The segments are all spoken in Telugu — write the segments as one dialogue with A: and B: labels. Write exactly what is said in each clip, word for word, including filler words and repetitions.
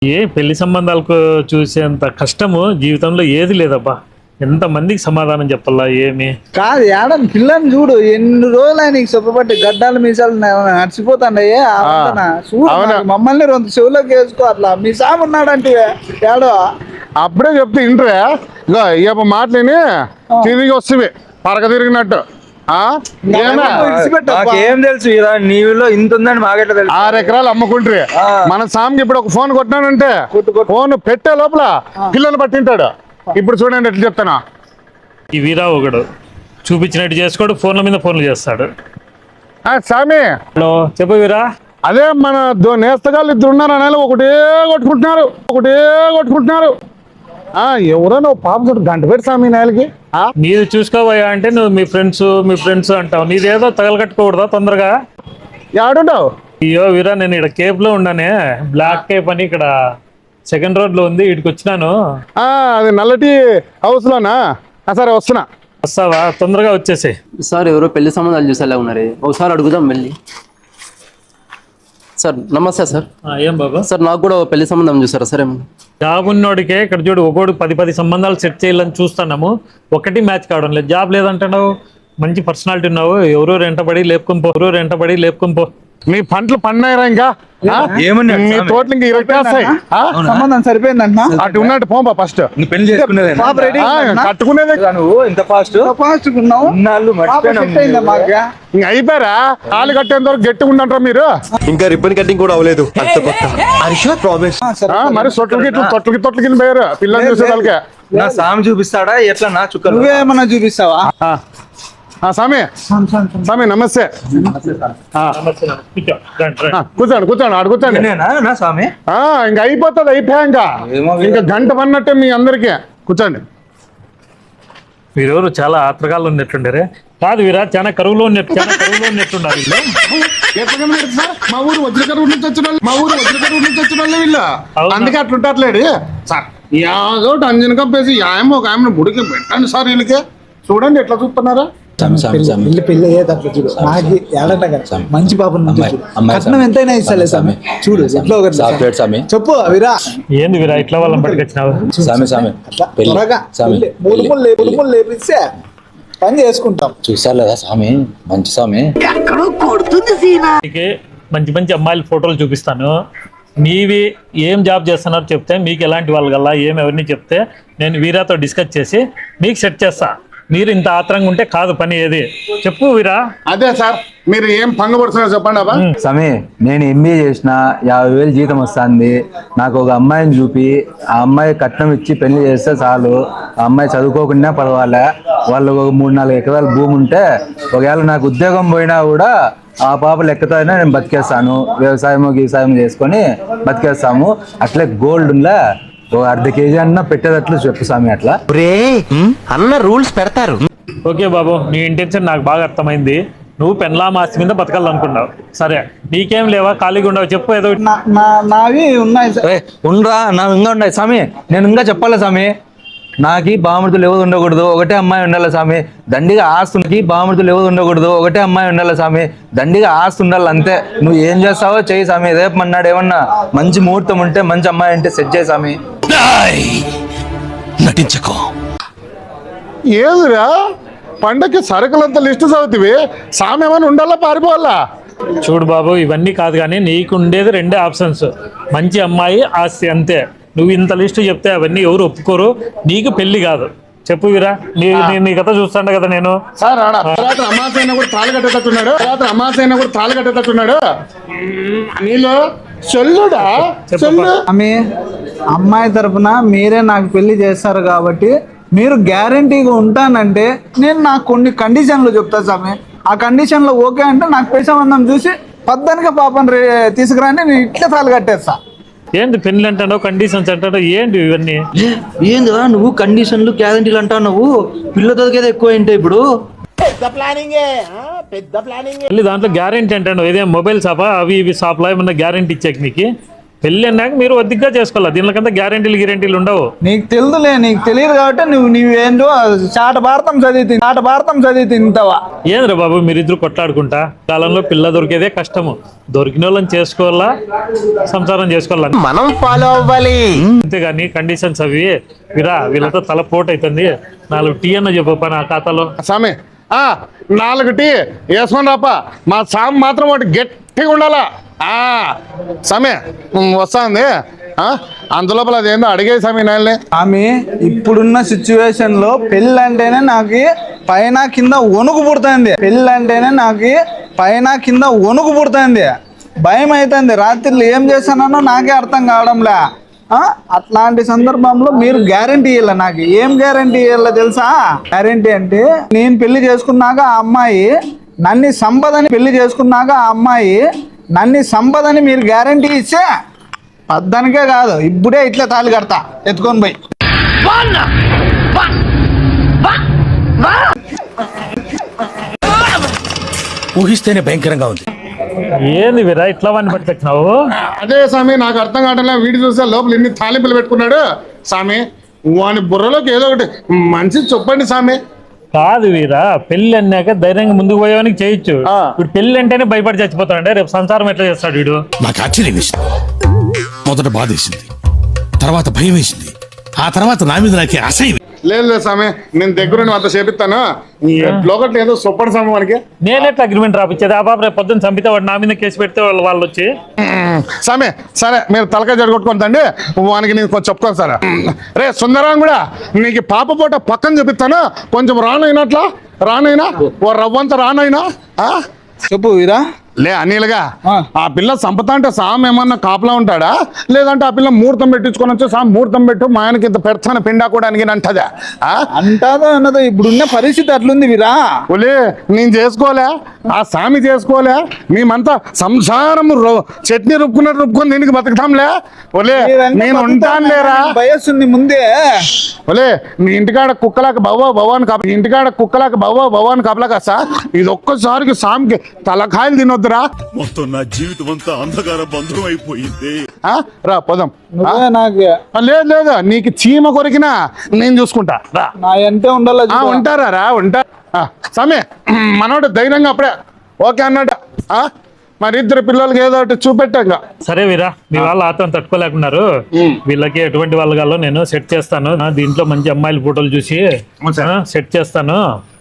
A: ఏ పెళ్లి సంబంధాలకు చూసేంత కష్టము జీవితంలో ఏది లేదబ్బా. ఎంతమందికి సమాధానం చెప్పాలా ఏమి
B: కాదు ఏడని పిల్లని చూడు ఎన్ని రోజులు ఆయన శుభ్రపట్టి గడ్డాలు మీసాలు నడిచిపోతాండయ్యే చూడు మమ్మల్ని రెండు చెవులోకి వేసుకో అట్లా మీ సాము ఉన్నాడంటే ఏడో
C: అప్పుడే చెప్తే ఇంటరే ఇగో ఇక మాటలేని తిరిగి వస్తుంది పరక తిరిగినట్టు
B: ఏం తెలుసు నీలో ఇంత ఉందని మాకెట్లా తెలుసు.
C: ఆరు ఎకరాలు అమ్ముకుంటారు మన సామికి ఇప్పుడు ఒక ఫోన్ కొట్టినానంటే ఫోన్ పెట్టే లోపల పిల్లలు పట్టింటాడు. ఇప్పుడు చూడండి ఎట్లా చెప్తానా.
A: ఈ వీరా ఒకడు చూపించినట్టు చేసుకోడు, ఫోన్ల మీద ఫోన్లు చేస్తాడు.
C: సామి
A: హలో చెప్పు వీరా.
C: అదే మన నేస్తగాళ్ళు ఇద్దరు ఉన్నారు అనే ఒకటే కొట్టుకుంటున్నారు ఒకటే కొట్టుకుంటున్నారు ఎవరో నువ్వు పాప చూడు గంట పెట్టి సామి నేలకి
A: నీది చూసుకోవయ్యా అంటే నువ్వు మీ ఫ్రెండ్స్ మీ ఫ్రెండ్స్ అంటావు. నీదేదో తగలకట్టుకోకూడదా తొందరగా?
C: ఆడుంటావు.
A: అయ్యో వీరా నేను ఇక్కడ కేప్ లో ఉన్నానే, బ్లాక్ కేప్ అని ఇక్కడ సెకండ్ రోడ్ లో ఉంది, ఇటుకు వచ్చినాను.
C: అది నల్లటి హౌస్ లోనా? సరే వస్తున్నా.
A: వస్తావా? తొందరగా వచ్చేసి.
D: సార్ ఎవరో పెళ్లి సంబంధాలు చూసేలా ఉన్నారు, ఒకసారి అడుగుదాం వెళ్ళి. సార్ నమస్తే సార్.
A: ఏం బాబా?
D: సార్ నాకు కూడా పెళ్లి సంబంధం చూసారా సార్? ఏమన్నా
A: జాబ్ ఉన్నోడికే ఇక్కడ చూడు ఒకటి పది పది సంబంధాలు సెట్ చేయాలని చూస్తున్నాము, ఒకటి మ్యాచ్ కావడం లేదు. జాబ్ లేదంటున్నావు, మంచి పర్సనాలిటీ ఉన్నావు, ఎవరో రెంటబడి లేపుకొని పో, ఎవరో రెంటబడి లేపుకొని పో.
C: మీ పంటలు పండినాయిరా ఇంకా మీ తోటలు ఇంకా ఇరవై
B: సంబంధం సరిపోయిందంట.
C: అటు ఉన్నట్టు పోంపా ఫస్ట్
B: పెళ్లి చేసుకునేది
C: కట్టుకునేది
B: నువ్వు ఇంత ఫాస్ట్ ఫాస్ట్ ఉన్నావు.
C: ఇంక అయిపోయారా? తాళి కట్టేంత వరకు గట్టిగా ఉండంటారా మీరు?
E: ఇంకా రిబ్బన్ కటింగ్ కూడా అవ్వలేదు.
C: మరి సొట్లకి తొట్లకి తొట్లకి పోయారు పిల్లలు చూసే వాళ్ళకి.
B: నా సామి చూపిస్తాడా ఎట్లా? నా చుక్క నువ్వేమన్నా చూపిస్తావా?
C: సామి సామి నమస్తే. కూర్చోండి కూర్చోండి ఆడు కూర్చోండి. ఇంకా అయిపోతుంది అయిపోయా ఇంకా ఇంకా గంట పన్నట్టే మీ అందరికి. కూర్చోండి.
A: వీరెవరు చాలా ఆత్రకాలు ఉన్నట్టుండరే. కాదు వీరా చాలా కరువులో ఉన్నట్టు చాలా కరువులో ఉన్నట్టున్నారు వీళ్ళు.
C: మా ఊరు వజ్రకరువు నుంచి వచ్చిన వాళ్ళు మా ఊరు వజ్రకరువు నుంచి వచ్చిన వాళ్ళే వీళ్ళు. అందుకే అట్లుంటారులేడు సార్. యాదోటి అంజన కప్పేసి యాయమో ఒక ఆమెను గుడికి పెట్టండి సార్. వీళ్ళకి చూడండి ఎట్లా చూస్తున్నారా.
B: పెళ్లి పెళ్లి అయ్యేటట్లు చూడు. నాకు ఏడట కదా మంచి పాపను కట్నం ఎంతైనా ఇస్తాలే సామి. చూడు ఎట్లా ఒకటి చెప్పు వీరా.
A: ఏంది వీరా ఇట్లా వాళ్ళని పట్టుకొచ్చినావు?
B: లేపిస్తే పని చేసుకుంటాం.
F: చూసారు లేదా స్వామి, మంచి స్వామి.
A: మంచి మంచి అమ్మాయిల ఫోటోలు చూపిస్తాను. మీవి ఏం జాబ్ చేస్తున్నారు చెప్తే, మీకు ఎలాంటి వాళ్ళు కల్లా ఏం ఎవరిని చెప్తే నేను వీరాతో డిస్కస్ చేసి మీకు సెట్ చేస్తా. మీరు ఇంత ఆత్రంగా ఉంటే కాదు పని. ఏది చెప్పు వీరా.
C: అదే సార్ మీరు ఏం పంగపడుతున్నారు చెప్పండి అబ్బా.
F: స్వామి నేను ఎంబీఏ చేసిన, యాభై వేలు జీతం వస్తుంది. నాకు ఒక అమ్మాయిని చూపి ఆ అమ్మాయి కట్నం ఇచ్చి పెళ్లి చేస్తే చాలు. ఆ అమ్మాయి చదువుకోకుండా పర్వాలే. వాళ్ళు ఒక మూడు నాలుగు ఎకరాల భూమి ఉంటే ఒకవేళ నాకు ఉద్యోగం పోయినా కూడా ఆ పాప లెక్కతోనే నేను బతికేస్తాను. వ్యవసాయం వ్యవసాయం చేసుకొని బతికేస్తాము. అట్లే గోల్డ్ ఉందా ఓ అర్ధ కేజీ అన్న పెట్టేటట్లు చెప్పు స్వామి. అట్లా
E: అన్న రూల్స్ పెడతారు.
A: ఓకే బాబు నీ ఇంటెన్షన్ నాకు బాగా అర్థమైంది. నువ్వు పెన్లాం ఆస్తి మీద బతకాలనుకున్నావు. సరే నీకేం లేవా? ఖాళీగా ఉండవు చెప్పు. ఏదో
B: నావి ఉన్నాయి
F: ఉండరా నా ఇంకా ఉన్నాయి స్వామి. నేను ఇంకా చెప్పాలా స్వామి. నాకి బామృతులు ఎవరు ఉండకూడదు, ఒకటే అమ్మాయి ఉండాలి స్వామి. దండిగా ఆస్తుకి బామృతులు ఎవరు ఉండకూడదు, ఒకటే అమ్మాయి ఉండాలి స్వామి. దండిగా ఆస్తి ఉండాలి అంతే. నువ్వు ఏం చేస్తావో చెయ్యి స్వామి. రేపు మన్నాడు ఏమన్నా మంచి ముహూర్తం ఉంటే మంచి అమ్మాయి అంటే సెట్ చేయి స్వామి.
E: నటించకో.
C: ఏదురా పండక్కి సరుకులంతా లిస్టు చదువుతివి. సామి ఏమైనా ఉండాలా పారిపోవాలా?
A: చూడు బాబు ఇవన్నీ కాదు కానీ నీకు ఉండేది రెండే ఆప్షన్స్, మంచి అమ్మాయి ఆస్తి అంతే. నువ్వు ఇంత లిస్టు చెప్తే అవన్నీ ఎవరు ఒప్పుకోరు. నీకు పెళ్లి కాదు. చెప్పు వీరా. నీ నీ కథ చూస్తాండ కదా నేను.
C: సార్ రాత్రి అమాస అయినా కూడా తాళి కట్టేటట్టున్నాడు. రాత్రి అమాస అయినా కూడా తాళి కట్టేటట్టున్నాడు. నీలో చెల్లుడా చెల్లు.
B: ఆమె అమ్మాయి తరపున మీరే నాకు పెళ్లి చేస్తారు కాబట్టి మీరు గ్యారంటీగా ఉంటానంటే నేను నాకు కొన్ని కండిషన్లు చెప్తా స్వామి. ఆ కండిషన్లో ఓకే అంటే నాకు పెళ్లి సంబంధం చూసి పద్దనిగా పాపని తీసుకురాని నేను ఇట్లా తాళి కట్టేస్తా.
A: ఏంటి పెళ్లి అంటాడో కండిషన్స్ అంటాడో ఏంటి ఇవన్నీ?
D: ఏందిరా నువ్వు కండిషన్లు గ్యారంటీలు అంటావు? నువ్వు పిల్లతో కదా ఎక్కువ ఏంటి ఇప్పుడు?
A: పెళ్లి దాంట్లో గ్యారంటీ అంటాడు. ఇదే మొబైల్ షాపా? అవి ఇవి షాప్లో ఏమన్నా గ్యారంటీ ఇచ్చాక నీకు పెళ్ళి అన్నాక మీరు ఒద్దిగ్గా చేసుకోవాలి, దీనికంతా గ్యారెంటీలు గ్యారెంటీలు ఉండవు.
B: నీకు తెలుదులే, నీకు తెలియదు కాబట్టి నువ్వు నువ్వేంటో చాట భారతం చదివి చాట భారతం చదివి తింటావా?
A: ఏంద్రా బాబు మీరిద్దరు కొట్లాడుకుంటా? కాలంలో పిల్ల దొరికేదే కష్టము, దొరికిన వాళ్ళని చేసుకోవాలా, సంసారం చేసుకోవాలా,
E: మనం ఫాలో అవ్వాలి.
A: అంతేగాని కండిషన్స్ అవి వీరా వీళ్ళతో తల పోటు అవుతుంది. నాలుగు టీ అన్న చెప్ప నా ఖాతాలో.
C: స్వామి ఆ నాలుగు టీ వేసుకొని రాప, మా సామ్ మాత్రం ఒకటి గట్టిగా ఉండాలా. ఆ స్వామి వస్తుంది అంతలోపల అదేందో అడిగే స్వామి నాయల్ని.
B: ఆమె ఇప్పుడున్న సిచ్యువేషన్ లో పెళ్ళి అంటేనే నాకు పైన కింద వణుకు పుడుతుంది. పెళ్ళి అంటేనే నాకు పైన కింద వణుకు పుడుతుంది, భయం అవుతుంది. రాత్రిలో ఏం చేస్తానో నాకే అర్థం కావడంలే. అట్లాంటి సందర్భంలో మీరు గ్యారంటీ ఇవ్వాలి. నాకు ఏం గ్యారంటీ ఇవ్వాలో తెలుసా? గ్యారంటీ అంటే నేను పెళ్లి చేసుకున్నాక ఆ అమ్మాయి నన్ను సంపదని పెళ్లి చేసుకున్నాక ఆ అమ్మాయి నన్ను సంపదని మీరు గ్యారంటీ ఇచ్చే పద్దనికే కాదు, ఇప్పుడే ఇట్లా తాళి కడతా ఎత్తుకొని పోయి.
G: ఊహిస్తేనే భయంకరంగా ఉంది.
A: ఏంది వీరా ఇట్లా వాడిని పట్టుకొచ్చినావు?
C: అదే స్వామి నాకు అర్థం కావట్లే. వీడి చూస్తే లోపల ఎన్ని తాలింపులు పెట్టుకున్నాడు స్వామి. వాని బుర్రలోకి ఏదో ఒకటి మంచి చెప్పండి స్వామి.
A: కాదు వీరా, పెళ్లి అన్నాక ధైర్యంగా ముందుకు పోయేవానికి చేయొచ్చు. ఇప్పుడు పెళ్లి అంటేనే భయపడి చచ్చిపోతాడంటే రేపు సంసారం ఎట్లా చేస్తాడు వీడు?
G: నాకు ఆశ్చర్యం వేసింది. మొదట బాధ వేసింది, తర్వాత భయం వేసింది, ఆ తర్వాత నా మీద నాకే అసహ్యం.
C: లేదు లేదు స్వామి, నేను దగ్గర అంత చేపిస్తాను. లోకట్లు ఏదో సొప్పడు స్వామి వానికి.
A: నేనెట్లా అగ్రిమెంట్ రాపిచ్చేది? ఆ బాబు రేపు పొద్దున్న చంపితే వాడు నా మీద కేసు పెడితే వాళ్ళు వాళ్ళు వచ్చి
C: స్వామి సరే మీరు తలకాయ జడగొట్టుకుంటండి, వానికి నేను కొంచెం చెప్పుకోను సార్. రే సుందరం కూడా నీకు పాప పూట పక్కన చూపిస్తాను, కొంచెం రానైనట్లా రానైనా ఓ రవ్వంత రానైనా
B: చెప్పు వీరా.
C: లే అనిలుగా ఆ పిల్ల సంపత అంటే సామ్ ఏమన్నా కాపలా ఉంటాడా, లేదంటే ఆ పిల్ల ముహూర్తం పెట్టించుకొని వచ్చి సామ్ ముహూర్తం పెట్టు మా ఆయనకి ఇంత పెడతాను పిండాకోవడానికి అంటదా?
B: అంటాదో అన్నదో ఇప్పుడున్న పరిస్థితి అట్లుంది వీరా.
C: ఒలే నేను చేసుకోలే, ఆ సామి చేసుకోలే, మేమంతా సంసారం చట్నీ రుబ్బుకున్నట్టు రుబ్బుకొని దీనికి బతుకుతాంలే. ఒలే నేను ఉంటాను లేరా,
B: వయస్సుంది ముందే.
C: ఒలే మీ ఇంటికాడ కుక్కలాక బవ్వ భవాన్ కాప ఇంటికాడ కుక్కలాక బవ్వ భవాన్ కాపలా కాసా ఇది ఒక్కసారికి సామికి తలకాయలు తినొద్దురా.
H: మొత్తం నా జీవితం అంతా అంధకార బంధం అయిపోయింది.
C: రా పోదాం.
B: నాకు
C: లేదు లేదు నీకు చీమ కొరికినా నేను చూసుకుంటా రా.
B: నా ఎంతే ఉండాలి.
C: ఉంటారా రా ఉంటా సమయ మనోడు ధైర్యంగా అప్పుడే ఓకే అన్నాడు. మరి ఇద్దరు పిల్లలకి ఏదో ఒకటి చూపెట్టాక
A: సరే వీరా, మీ వాళ్ళు ఆత్రం తట్టుకోలేకున్నారు. వీళ్ళకి ఎటువంటి వాళ్ళు కాలో నేను సెట్ చేస్తాను. దీంట్లో మంచి అమ్మాయిల ఫోటోలు చూసి సెట్ చేస్తాను.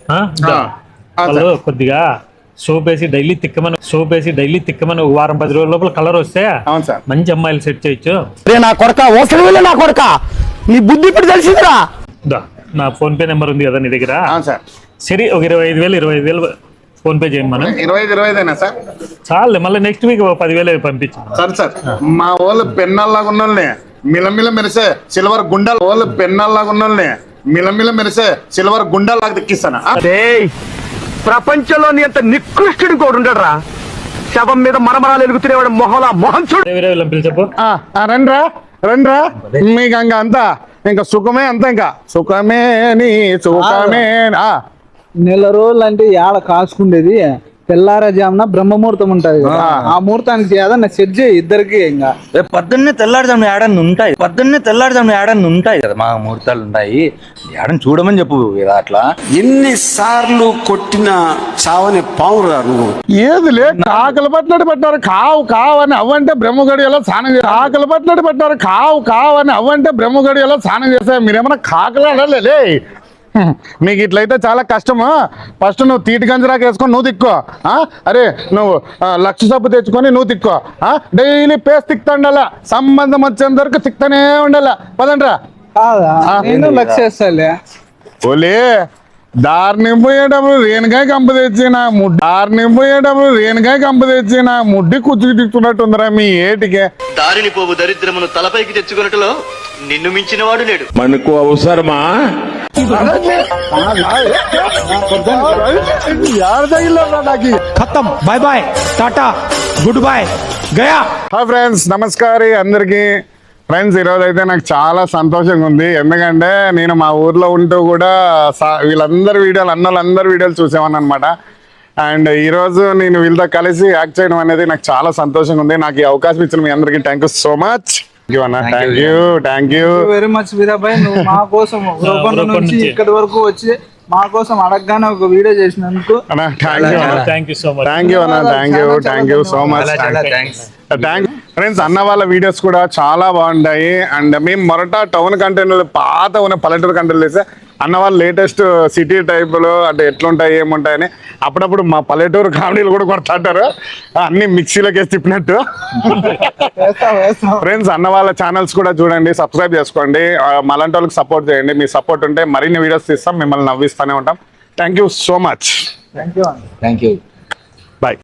A: వాళ్ళు కొద్దిగా సోప్ వేసి డైలీ తిక్కమని సోప్ వేసి డైలీ తిక్కమని వారం పది రోజుల లోపల కలర్ వస్తే మంచి అమ్మాయిలు సెట్ చేయొచ్చు.
E: నా కొడక నా కొడక నీ బుద్ధి ఇప్పుడు తెలిసిందిరా.
A: నా ఫోన్ పే నెంబర్ ఉంది కదా నీ దగ్గర? సరే ఒక ఇరవై ఐదు వేలు ఇరవై ఐదు వేలు ఫోన్ పే చేయండి. మనం
C: ఇరవై ఐదు ఇరవై ఐదేనా సార్?
A: చాలే, మళ్ళీ నెక్స్ట్ వీక్ పదివేలు పంపించాను.
C: సరే సార్, మా వాళ్ళు పెన్నాల్లాగా ఉన్నోళ్ళని మిలమిల మెరిసే సిల్వర్ గుండాలు వాళ్ళు పెన్నాల్లాగా ఉన్నోళ్ళని మిలమిల మెరిసే సిల్వర్ గుండాల్లాగా దక్కిస్తాను.
E: ప్రపంచంలో నీ అంత నికృష్టుడు కూడా ఉండడరా. శవం మీద మరమరాలు ఎలుగుతునేవాడు మొహలా మొహం చూడు.
A: చెప్పు.
C: రండ్రా రండ్రా, మీకు ఇంకా అంతా ఇంకా సుఖమే అంతా, ఇంకా సుఖమే నీ సుఖమే.
B: నెల రోజులు అంటే ఏడ కాసుకుండేది, తెల్లారజామున బ్రహ్మముహూర్తం ఉంటది కదా, ఆ ముహూర్తానికి ఏదన్నా సెట్ చేయి ఇద్దరికి. ఇంకా
D: పొద్దున్నే తెల్లారుజామున ఏడన్నా ఉంటాయి, పొద్దున్నే తెల్లారుజామున ఏడన్నా ఉంటాయి కదా, మా ముహూర్తాలు ఉంటాయి. ఏడని చూడమని చెప్పు ఇలా. అట్లా
H: ఎన్నిసార్లు కొట్టిన చావని పావురా నువ్వు.
C: ఏది లే కాకలు పట్టినట్టు పెట్టారు కావు కావు అని అవ్వంటే బ్రహ్మగడియలో స్నానం చేస్తారు. కాకలు పట్టినట్టు పెట్టారు కావు కావు అని అవ్వంటే బ్రహ్మగడియలో స్నానం చేస్తారు. మీరేమన్నా కాకలు అడలే. మీకు ఇట్లయితే చాలా కష్టము. ఫస్ట్ నువ్వు తీటి గంజరాకు వేసుకొని నువ్వు తిక్కో. అరే నువ్వు లక్ష సబ్బు తెచ్చుకొని నువ్వు తిక్కో. డైలీ పేస్ట్ తిక్తండాల, సంబంధం వచ్చేంత వరకు తిక్తనే ఉండాల. పదండ్రా.
B: నేను లక్ష్యేస్తాలే.
C: ఓలే దారిని పోయేటప్పుడు రేణుకాయ కంప తెచ్చి నా ముడ్డి దారిని పోయేటప్పుడు రేణుకాయ కంప తెచ్చి నా ముడ్డి కుచ్చుకు తిక్కున్నట్టుందిరా మీ ఏటికే.
I: దారిని పోవు దరిద్రమును తలపైకి తెచ్చుకున్నట్టులో నిన్ను మించిన వాడు లేడు.
H: మనకు అవసరమా?
G: ఖతం, బాయ్ బాయ్, టాటా, గుడ్ బాయ్, గయా.
C: హాయ్ ఫ్రెండ్స్, నమస్కారం అందరికి. ఫ్రెండ్స్ ఈరోజు అయితే నాకు చాలా సంతోషంగా ఉంది. ఎందుకంటే నేను మా ఊర్లో ఉంటూ కూడా వీళ్ళందరి వీడియోలు అన్న వాళ్ళందరి వీడియోలు చూసేవాను అనమాట. అండ్ ఈ రోజు నేను వీళ్ళతో కలిసి యాక్ట్ చేయడం అనేది నాకు చాలా సంతోషంగా ఉంది. నాకు ఈ అవకాశం ఇచ్చిన మీ అందరికీ thank you so much. Thank you అన్న, thank you thank you
B: very much Veerabai. నువ్వు మా కోసం రూపంలో నుంచి ఇక్కడి వరకు వచ్చి మా కోసం అడగగానే ఒక వీడియో చేసినందుకు
C: అన్న థ్యాంక్ యూ అన్న,
A: thank you so much.
C: Thank you అన్న, thank you thank you so much. Thank friends, అన్న వాళ్ళ వీడియోస్ కూడా చాలా బాగుంటాయి. అండ్ మేము మొరట టౌన్ కంటెంట్ పాత ఉన్న పల్లెటూరు కంటెంట్ చేస్తే అన్న వాళ్ళు లేటెస్ట్ సిటీ టైప్లో అంటే ఎట్లుంటాయి ఏముంటాయని అప్పుడప్పుడు మా పల్లెటూరు కామెడీలు కూడా కొడతాంటారు, అన్ని మిక్సీలోకి వేసి తిప్పినట్టు. ఫ్రెండ్స్, అన్న వాళ్ళ ఛానల్స్ కూడా చూడండి, సబ్స్క్రైబ్ చేసుకోండి, మలాంటి వాళ్ళకి సపోర్ట్ చేయండి. మీ సపోర్ట్ ఉంటే మరిన్ని వీడియోస్ తీస్తాం, మిమ్మల్ని నవ్విస్తూనే ఉంటాం. Thank you so much.
B: Thank you
F: thank you.